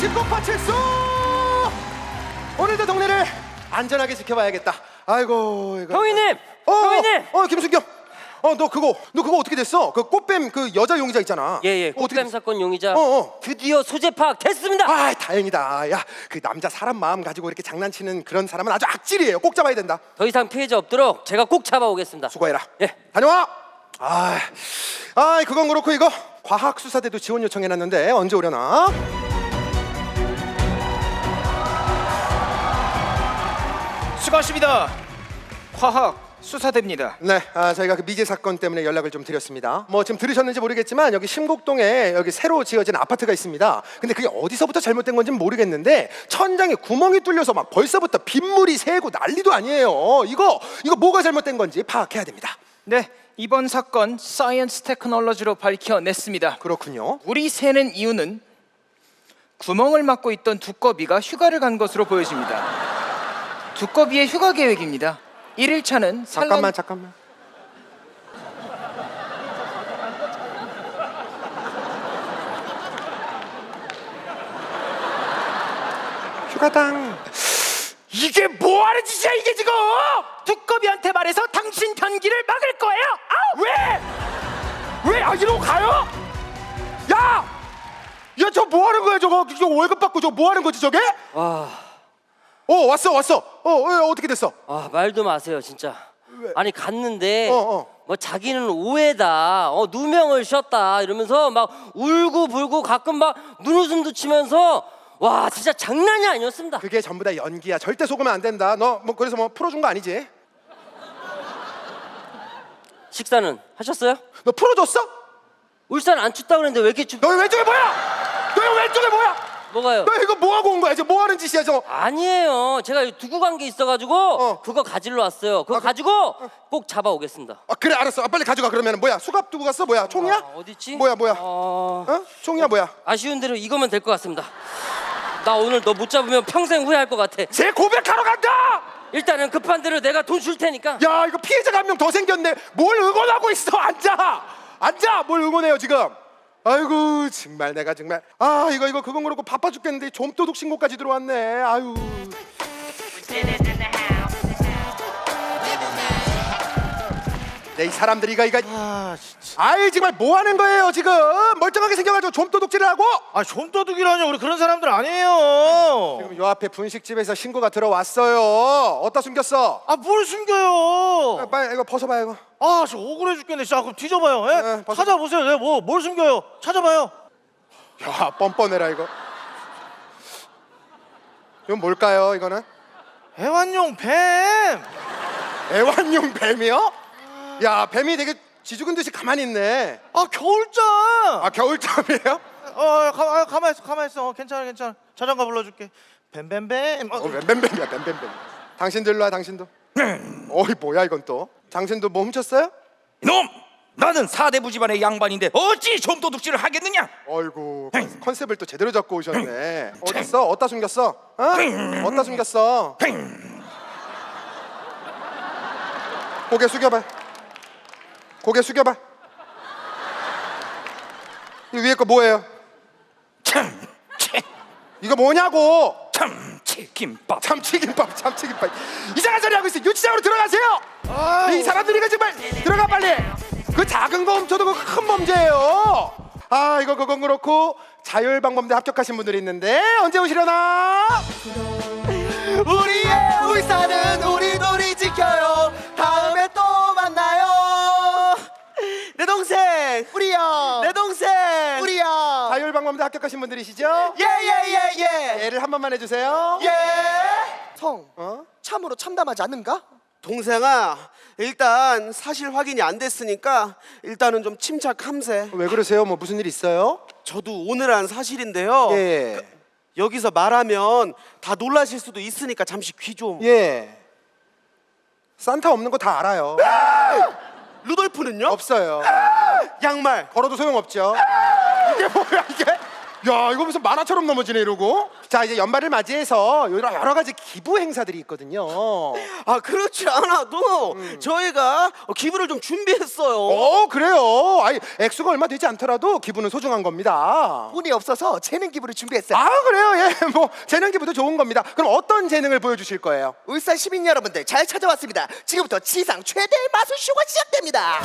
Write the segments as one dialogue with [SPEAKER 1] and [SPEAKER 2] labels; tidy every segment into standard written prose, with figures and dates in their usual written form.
[SPEAKER 1] 꽃파출소! 오늘도 동네를 안전하게 지켜봐야겠다. 아이고 이거.
[SPEAKER 2] 형님! 형님!
[SPEAKER 1] 김순경. 너 그거 어떻게 됐어? 그 꽃뱀 그 여자 용의자 있잖아.
[SPEAKER 2] 예예.
[SPEAKER 1] 어떻게
[SPEAKER 2] 꽃뱀
[SPEAKER 1] 됐어?
[SPEAKER 2] 사건 용의자
[SPEAKER 1] 어.
[SPEAKER 2] 드디어 소재 파악됐습니다.
[SPEAKER 1] 아 다행이다. 야 그 남자 사람 마음 가지고 이렇게 장난치는 그런 사람은 아주 악질이에요. 꼭 잡아야 된다.
[SPEAKER 2] 더 이상 피해자 없도록 제가 꼭 잡아오겠습니다.
[SPEAKER 1] 수고해라.
[SPEAKER 2] 예.
[SPEAKER 1] 다녀와. 그건 그렇고 이거 과학수사대도 지원 요청해놨는데 언제 오려나?
[SPEAKER 3] 수고하십니다. 과학 수사대입니다.
[SPEAKER 1] 네, 저희가 그 미제 사건 때문에 연락을 좀 드렸습니다. 뭐 지금 들으셨는지 모르겠지만 여기 신곡동에 여기 새로 지어진 아파트가 있습니다. 근데 그게 어디서부터 잘못된 건지는 모르겠는데 천장에 구멍이 뚫려서 막 벌써부터 빗물이 새고 난리도 아니에요. 이거 뭐가 잘못된 건지 파악해야 됩니다.
[SPEAKER 3] 네, 이번 사건 사이언스 테크놀로지로 밝혀냈습니다.
[SPEAKER 1] 그렇군요.
[SPEAKER 3] 물이 새는 이유는 구멍을 막고 있던 두꺼비가 휴가를 간 것으로 보여집니다. 두꺼비의 휴가 계획입니다. 1일차는
[SPEAKER 1] 잠깐만. 휴가당.
[SPEAKER 3] 이게 뭐하는 짓이야 이게 지금? 두꺼비한테 말해서 당신 변기를 막을 거예요.
[SPEAKER 1] 왜? 이러고 가요? 야, 저 뭐 하는 거야 저거? 월급 받고 저거 뭐 하는 거지 저게? 왔어. 어떻게 됐어?
[SPEAKER 2] 말도 마세요 진짜.
[SPEAKER 1] 왜?
[SPEAKER 2] 아니 갔는데
[SPEAKER 1] 어.
[SPEAKER 2] 뭐 자기는 오해다, 누명을 씌웠다 이러면서 막 울고불고 가끔 막 눈웃음도 치면서 와 진짜 장난이 아니었습니다.
[SPEAKER 1] 그게 전부 다 연기야. 절대 속으면 안 된다. 너 뭐 그래서 뭐 풀어준 거 아니지?
[SPEAKER 2] 식사는 하셨어요?
[SPEAKER 1] 너 풀어줬어?
[SPEAKER 2] 울산 안 춥다 그랬는데 왜 이렇게 춥?
[SPEAKER 1] 너 왼쪽에 뭐야?
[SPEAKER 2] 뭐가요?
[SPEAKER 1] 너 이거 뭐 하고 온 거야? 지금 뭐 하는 짓이야 저거?
[SPEAKER 2] 아니에요. 제가 두고 간 게 있어가지고 그거 가지러 왔어요. 그거 가지고 꼭 잡아오겠습니다.
[SPEAKER 1] 그래 알았어. 빨리 가져가. 그러면 뭐야? 수갑 두고 갔어? 뭐야? 총이야?
[SPEAKER 2] 어딨지?
[SPEAKER 1] 뭐야? 총이야 뭐야?
[SPEAKER 2] 아쉬운 대로 이거면 될 것 같습니다. 나 오늘 너 못 잡으면 평생 후회할 것 같아.
[SPEAKER 1] 제 고백하러 간다!
[SPEAKER 2] 일단은 급한 대로 내가 돈 줄 테니까.
[SPEAKER 1] 야 이거 피해자가 한 명 더 생겼네. 뭘 응원하고 있어? 앉아. 뭘 응원해요 지금? 아이고 정말 내가 정말 이거 그건 그렇고 바빠 죽겠는데 좀도둑 신고까지 들어왔네. 아유. 네, 이 사람들이 이거
[SPEAKER 4] 진짜.
[SPEAKER 1] 정말 뭐 하는 거예요 지금? 멀쩡하게 생겨가지고 좀도둑질을 하고?
[SPEAKER 4] 좀도둑이라뇨. 우리 그런 사람들 아니에요.
[SPEAKER 1] 지금 요 앞에 분식집에서 신고가 들어왔어요. 어디다 숨겼어?
[SPEAKER 4] 뭘 숨겨요?
[SPEAKER 1] 빨리 이거 벗어봐요 이거.
[SPEAKER 4] 저 억울해 죽겠네. 진짜 그럼 뒤져봐요. 예?
[SPEAKER 1] 네, 벗어.
[SPEAKER 4] 찾아보세요. 네, 뭘 숨겨요? 찾아봐요.
[SPEAKER 1] 야 뻔뻔해라 이거. 이건 뭘까요 이거는?
[SPEAKER 4] 애완용 뱀.
[SPEAKER 1] 애완용 뱀이요? 야 뱀이 되게 지죽은 듯이 가만히 있네.
[SPEAKER 4] 겨울잠.
[SPEAKER 1] 겨울잠이에요?
[SPEAKER 4] 가만 있어. 괜찮아. 자장가 불러줄게. 뱀뱀뱀.
[SPEAKER 1] 뱀뱀뱀이야 뱀뱀뱀. 당신도 일로 와 당신도. 어이 뭐야 이건 또. 당신도 뭐 훔쳤어요?
[SPEAKER 5] 이놈! 나는 사대부 집안의 양반인데 어찌 좀도둑질을 하겠느냐?
[SPEAKER 1] 어이구 컨셉을 또 제대로 잡고 오셨네. 어딨어? 어디다 숨겼어? 어디다 숨겼어? 고개 숙여봐. 이 위에 거 뭐예요? 이거 뭐냐고?
[SPEAKER 5] 참치김밥.
[SPEAKER 1] 참치김밥. 이상한 소리 하고 있어. 유치장으로 들어가세요. 이 사람들이 이거 정말 들어가 빨리. 그 작은 거 훔쳐도 그 큰 범죄예요. 이거 그건 그렇고 자율방범대 합격하신 분들이 있는데 언제 오시려나?
[SPEAKER 6] 우리의 울산은 우리들이 지켜요. 다음에 또 만나요. 내 동생 우리야. 내 동생 우리야.
[SPEAKER 1] 자율방범대 합격하신 분들이시죠?
[SPEAKER 6] 예예예예.
[SPEAKER 1] 예를 한 번만 해주세요.
[SPEAKER 6] 예. 성 참으로 참담하지 않는가? 동생아 일단 사실 확인이 안 됐으니까 일단은 좀 침착함세.
[SPEAKER 1] 왜 그러세요? 뭐 무슨 일 있어요?
[SPEAKER 6] 저도 오늘 한 사실인데요.
[SPEAKER 1] 예.
[SPEAKER 6] 여기서 말하면 다 놀라실 수도 있으니까 잠시 귀 좀.
[SPEAKER 1] 예. 산타 없는 거 다 알아요.
[SPEAKER 6] 루돌프는요?
[SPEAKER 1] 없어요.
[SPEAKER 6] 양말.
[SPEAKER 1] 걸어도 소용없죠. 이게 뭐야 이게? 야 이거 무슨 만화처럼 넘어지네 이러고. 자, 이제 연말을 맞이해서 여러 가지 기부 행사들이 있거든요.
[SPEAKER 6] 아 그렇지 않아도 저희가 기부를 좀 준비했어요.
[SPEAKER 1] 그래요. 아니, 액수가 얼마 되지 않더라도 기부는 소중한 겁니다.
[SPEAKER 7] 운이 없어서 재능 기부를 준비했어요.
[SPEAKER 1] 아, 그래요. 예, 뭐 재능 기부도 좋은 겁니다. 그럼 어떤 재능을 보여주실 거예요?
[SPEAKER 7] 울산 시민 여러분들 잘 찾아왔습니다. 지금부터 지상 최대의 마술쇼가 시작됩니다.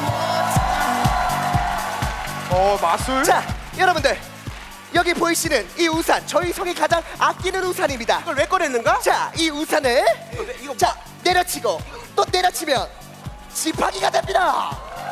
[SPEAKER 1] 마술?
[SPEAKER 7] 자, 여러분들 여기 보이시는 이 우산 저희 성이 가장 아끼는 우산입니다.
[SPEAKER 6] 이걸 왜 꺼냈는가?
[SPEAKER 7] 자, 이 우산을 자 내려치고 또 내려치면 지팡이가 됩니다.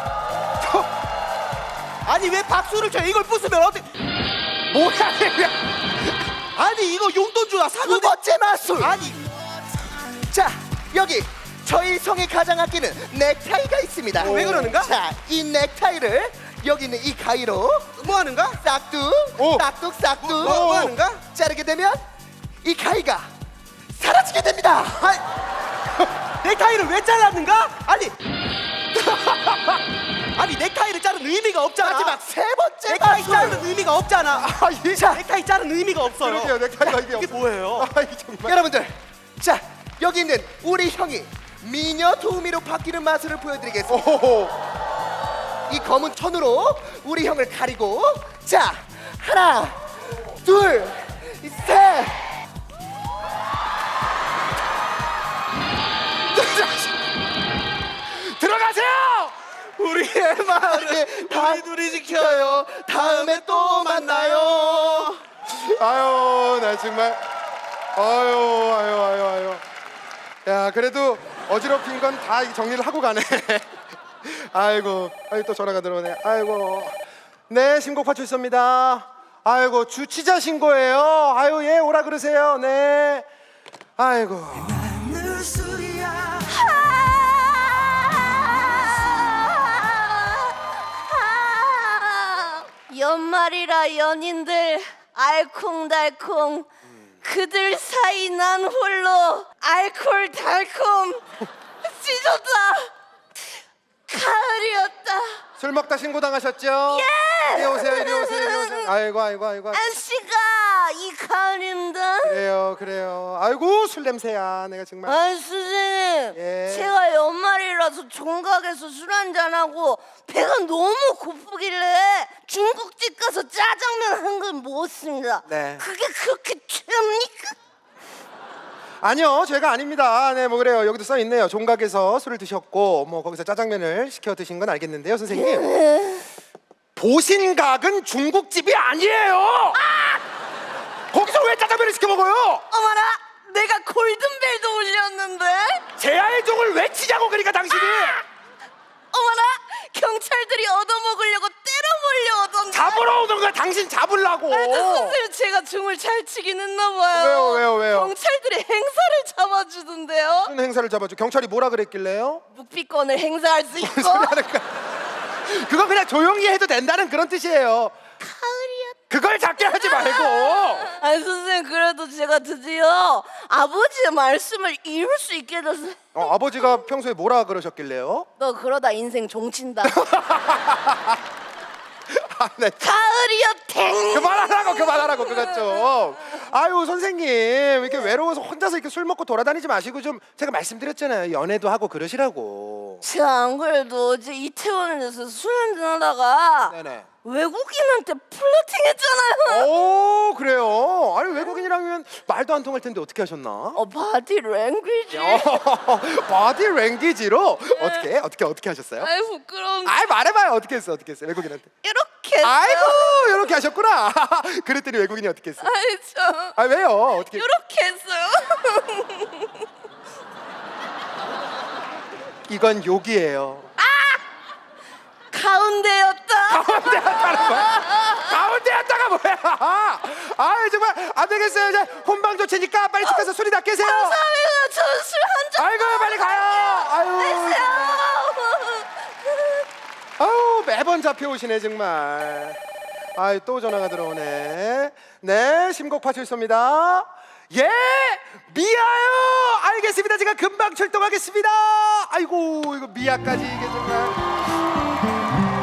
[SPEAKER 6] 아니 왜 박수를 쳐? 이걸 부수면 어떻게?
[SPEAKER 1] 뭐야 이게?
[SPEAKER 6] 아니 이거 용돈 주나 사고.
[SPEAKER 7] 두 번째 마술.
[SPEAKER 6] 아니
[SPEAKER 7] 자, 여기 저희 성이 가장 아끼는 넥타이가 있습니다.
[SPEAKER 6] 왜 그러는가?
[SPEAKER 7] 자, 이 넥타이를 여기 있는 이 가위로
[SPEAKER 6] 뭐 하는가?
[SPEAKER 7] 싹둑
[SPEAKER 1] 오.
[SPEAKER 7] 싹둑 싹둑
[SPEAKER 6] 뭐 하는가?
[SPEAKER 7] 자르게 되면 이 가위가 사라지게 됩니다.
[SPEAKER 6] 넥타이를 왜 잘랐는가? 아니 아니 넥타이를 자른 의미가 없잖아.
[SPEAKER 7] 마지막 세 번째
[SPEAKER 6] 넥타이
[SPEAKER 7] 마술.
[SPEAKER 6] 자른 의미가 없잖아.
[SPEAKER 1] 자,
[SPEAKER 6] 넥타이 자른 의미가 없어요.
[SPEAKER 1] 그러게요. 넥타이가 이게
[SPEAKER 6] 이게 뭐예요?
[SPEAKER 1] 정말.
[SPEAKER 7] 여러분들, 자 여기 있는 우리 형이 미녀 도우미로 바뀌는 마술을 보여드리겠습니다.
[SPEAKER 1] 오.
[SPEAKER 7] 이 검은 천으로 우리 형을 가리고 자 하나 둘 셋.
[SPEAKER 1] 들어가세요.
[SPEAKER 6] 우리의 마을을 우리 둘이 지켜요. 다음에 또 만나요.
[SPEAKER 1] 아유, 나 정말. 아유. 야, 그래도 어지럽힌 건 다 정리를 하고 가네. 아이고, 또 전화가 들어오네. 아이고. 네, 신고파 출소입니다. 아이고, 주치자 신고예요. 아유, 예, 오라 그러세요. 네. 아이고.
[SPEAKER 8] 연말이라 연인들 알콩달콩 그들 사이 난 홀로 알콜 달콤 찢었다 가을이었다
[SPEAKER 1] 술 먹다 신고 당하셨죠?
[SPEAKER 8] 예!
[SPEAKER 1] 이리 오세요, 이리 오세요. 아이고.
[SPEAKER 8] 아씨가 이 가을입니다
[SPEAKER 1] 그래요. 아이고, 술 냄새야. 내가 정말.
[SPEAKER 8] 아 선생님
[SPEAKER 1] 예.
[SPEAKER 8] 제가 연말이라서 종각에서 술 한잔하고 배가 너무 고프길래 중국집 가서 짜장면 한 걸 먹었습니다
[SPEAKER 1] 네.
[SPEAKER 8] 그게 그렇게 죄입니까?
[SPEAKER 1] 아니요, 죄가 아닙니다. 네, 뭐 그래요. 여기도 써 있네요. 종각에서 술을 드셨고, 뭐 거기서 짜장면을 시켜 드신 건 알겠는데요, 선생님. 보신각은 중국집이 아니에요. 거기서 왜 짜장면을 시켜 먹어요?
[SPEAKER 8] 어머나 내가 골든벨도 울렸는데
[SPEAKER 1] 제아의 종을 외치자고 그러니까 당신이.
[SPEAKER 8] 어머나 경찰들이 얻어먹으려고 때려 몰려오던데
[SPEAKER 1] 잡으러 오는 거야. 당신 잡으려고.
[SPEAKER 8] 선생님 제가 중을 잘 치긴 했나 봐요
[SPEAKER 1] 왜요?
[SPEAKER 8] 경찰들이 행사를 잡아주던데요
[SPEAKER 1] 무슨 행사를 잡아줘? 경찰이 뭐라 그랬길래요?
[SPEAKER 8] 묵비권을 행사할 수 있고
[SPEAKER 1] 소리 하는 거야. 그거 그냥 조용히 해도 된다는 그런 뜻이에요.
[SPEAKER 8] 가을이었다
[SPEAKER 1] 그걸 작게 하지 말고.
[SPEAKER 8] 아니 선생님 그래도 제가 드디어 아버지의 말씀을 이룰 수 있게 됐어요
[SPEAKER 1] 아버지가 평소에 뭐라 그러셨길래요?
[SPEAKER 8] 너 그러다 인생 종친다
[SPEAKER 1] 네.
[SPEAKER 8] 가을이었탱
[SPEAKER 1] 그만하라고 그것 좀. 아유, 선생님 이렇게 외로워서 혼자서 이렇게 술 먹고 돌아다니지 마시고 좀, 제가 말씀드렸잖아요. 연애도 하고 그러시라고.
[SPEAKER 8] 제가 안 그래도 어제 이태원에서 술 한잔하다가
[SPEAKER 1] 네네.
[SPEAKER 8] 외국인한테 플러팅했잖아요.
[SPEAKER 1] 오, 그래요? 아니, 외국인이라면 말도 안 통할 텐데 어떻게 하셨나?
[SPEAKER 8] 바디 랭귀지.
[SPEAKER 1] 바디 랭귀지로 어떻게 하셨어요?
[SPEAKER 8] 아이 부끄러운.
[SPEAKER 1] 아이, 말해봐요. 어떻게 했어 외국인한테?
[SPEAKER 8] 이렇게 했어요.
[SPEAKER 1] 아이고, 이렇게 하셨구나. 그랬더니 외국인이 어떻게 했어?
[SPEAKER 8] 아이 참.
[SPEAKER 1] 아, 왜요? 어떻게?
[SPEAKER 8] 이렇게 했어요.
[SPEAKER 1] 이건 욕이에요.
[SPEAKER 8] 가운데였다.
[SPEAKER 1] 가운데였다가 뭐야? 아, 정말 안 되겠어요. 이제 혼방 조치니까 빨리 집 가서 술이나 깨세요.
[SPEAKER 8] 감사합니다. 저술 한잔.
[SPEAKER 1] 아이고, 빨리 가요. 아유, 매번 잡혀오시네 정말. 아이, 또 전화가 들어오네. 네, 심곡파 출소입니다. 예, 미아요. 알겠습니다. 제가 금방 출동하겠습니다. 아이고, 이거 미아까지 이게 정말.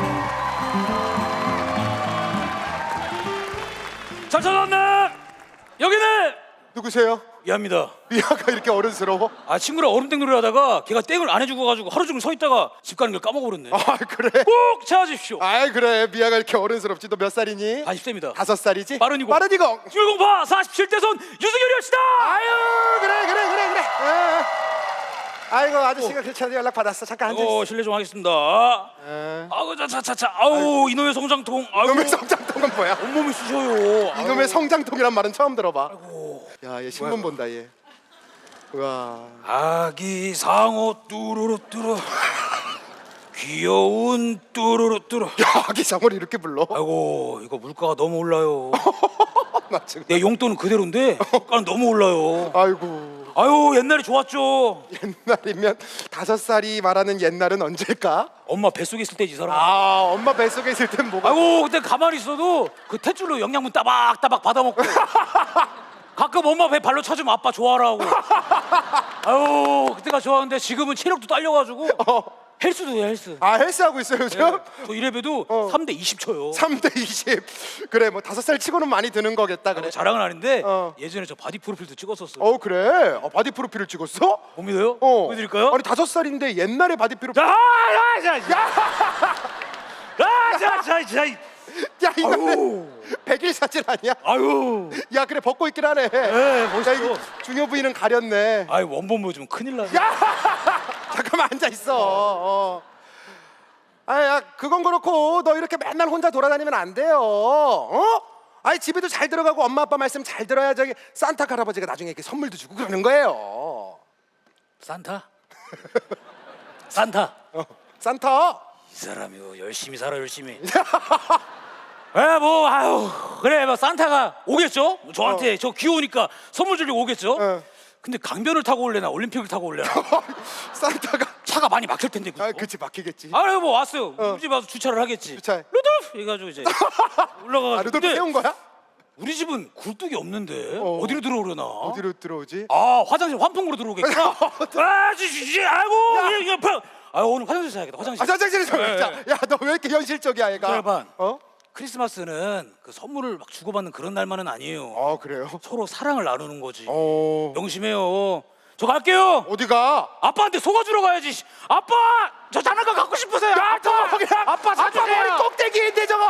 [SPEAKER 5] 잘 찾았네. 여기는
[SPEAKER 1] 누구세요?
[SPEAKER 5] 미아입니다.
[SPEAKER 1] 미아가 이렇게 어른스러워?
[SPEAKER 5] 아 친구랑 얼음땡 놀이 하다가 걔가 땡을 안 해주고 가지고 하루 종일 서 있다가 집 가는 걸 까먹어버렸네.
[SPEAKER 1] 아 그래?
[SPEAKER 5] 꼭 찾아주십시오.
[SPEAKER 1] 아 그래 미아가 이렇게 어른스럽지. 너 몇 살이니?
[SPEAKER 5] 40대입니다.
[SPEAKER 1] 5살이지?
[SPEAKER 5] 빠른이고.
[SPEAKER 1] 빠른이고.
[SPEAKER 5] 중공파 47대 손 유승열이었시다.
[SPEAKER 1] 아유 그래. 아이고 아저씨가 괜찮은데 연락 받았어. 잠깐 앉아.
[SPEAKER 5] 실례 좀 하겠습니다.
[SPEAKER 1] 에.
[SPEAKER 5] 아우 자차차차. 아우 이놈의 성장통. 아우
[SPEAKER 1] 이놈의 성장통은 뭐야?
[SPEAKER 5] 온몸이 쑤셔요.
[SPEAKER 1] 이놈의 성장통이란 말은 처음 들어봐. 야, 얘 신문 본다 얘. 와.
[SPEAKER 5] 아기 상어 뚜루루 뚜루. 귀여운 뚜루루 뚜루.
[SPEAKER 1] 야, 아기 상어를 이렇게 불러?
[SPEAKER 5] 아이고 이거 물가가 너무 올라요.
[SPEAKER 1] 나 지금.
[SPEAKER 5] 내 용돈은 그대로인데 물가는 너무 올라요.
[SPEAKER 1] 아이고.
[SPEAKER 5] 아유 옛날이 좋았죠.
[SPEAKER 1] 옛날이면 5살이 말하는 옛날은 언제일까?
[SPEAKER 5] 엄마 뱃속에 있을 때지 이 사람.
[SPEAKER 1] 아, 엄마 뱃속에 있을 땐 뭐가?
[SPEAKER 5] 아이고 그때 가만히 있어도 그 탯줄로 영양분 따박따박 받아먹고 가끔 엄마 배 발로 쳐주면 아빠 좋아라 하고. 아유 그때가 좋았는데 지금은 체력도 딸려가지고 헬스도 해요 헬스.
[SPEAKER 1] 아, 헬스하고 있어요 요즘?
[SPEAKER 5] 저 이래봬도 3대 20 쳐요.
[SPEAKER 1] 3대 20. 그래, 뭐 5살 치고는 많이 드는 거겠다. 그래.
[SPEAKER 5] 자랑은 아닌데
[SPEAKER 1] 어.
[SPEAKER 5] 예전에 저 바디 프로필도 찍었었어요.
[SPEAKER 1] 그래. 바디 프로필을 찍었어?
[SPEAKER 5] 못 믿어요? 보여드릴까요?
[SPEAKER 1] 아니 5살인데 옛날에 바디 프로필.
[SPEAKER 5] 자.
[SPEAKER 1] 야, 이거는 100일 사진 아니야?
[SPEAKER 5] 아유.
[SPEAKER 1] 야, 그래 벗고 있긴 하네.
[SPEAKER 5] 네, 멋있어.
[SPEAKER 1] 야, 이거 중요 부위는 가렸네.
[SPEAKER 5] 아이 원본 보여주면 큰일 나네.
[SPEAKER 1] 잠깐만 앉아 있어. 야, 그건 그렇고 너 이렇게 맨날 혼자 돌아다니면 안 돼요. 아니 집에도 잘 들어가고 엄마 아빠 말씀 잘 들어야 저기 산타 할아버지가 나중에 이렇게 선물도 주고 그러는 거예요.
[SPEAKER 5] 산타? 산타.
[SPEAKER 1] 산타.
[SPEAKER 5] 이 사람이요 열심히 살아 열심히. 뭐 아유 그래 뭐 산타가 오겠죠. 저한테 저 귀여우니까 선물 주려고 오겠죠. 근데 강변을 타고 올래나 올림픽을 타고 올래나
[SPEAKER 1] 산타가.
[SPEAKER 5] 차가 많이 막힐 텐데 그죠?
[SPEAKER 1] 그치 막히겠지.
[SPEAKER 5] 아유 뭐 왔어요. 우리 집 와서 주차를 하겠지.
[SPEAKER 1] 주차해.
[SPEAKER 5] 루돌프 해가지고 이제 올라가가지고.
[SPEAKER 1] 루돌프
[SPEAKER 5] 근데
[SPEAKER 1] 세운 거야?
[SPEAKER 5] 우리 집은 굴뚝이 없는데 어디로 들어오려나?
[SPEAKER 1] 어디로 들어오지?
[SPEAKER 5] 아 화장실 환풍구로 들어오겠구나. 아이고 이게 오늘 화장실 가야겠다. 화장실.
[SPEAKER 1] 화장실에서
[SPEAKER 5] 네.
[SPEAKER 1] 야, 너 왜 이렇게 현실적이야 얘가?
[SPEAKER 5] 기다려봐.
[SPEAKER 1] 어?
[SPEAKER 5] 크리스마스는 그 선물을 막 주고받는 그런 날만은 아니에요.
[SPEAKER 1] 그래요?
[SPEAKER 5] 서로 사랑을 나누는 거지.
[SPEAKER 1] 어.
[SPEAKER 5] 명심해요. 저 갈게요.
[SPEAKER 1] 어디가?
[SPEAKER 5] 아빠한테 속아주러 가야지. 아빠 저 장난감 갖고 싶으세요. 아빠 사주세요.
[SPEAKER 1] 아빠 머리 꼭대기인데 저거.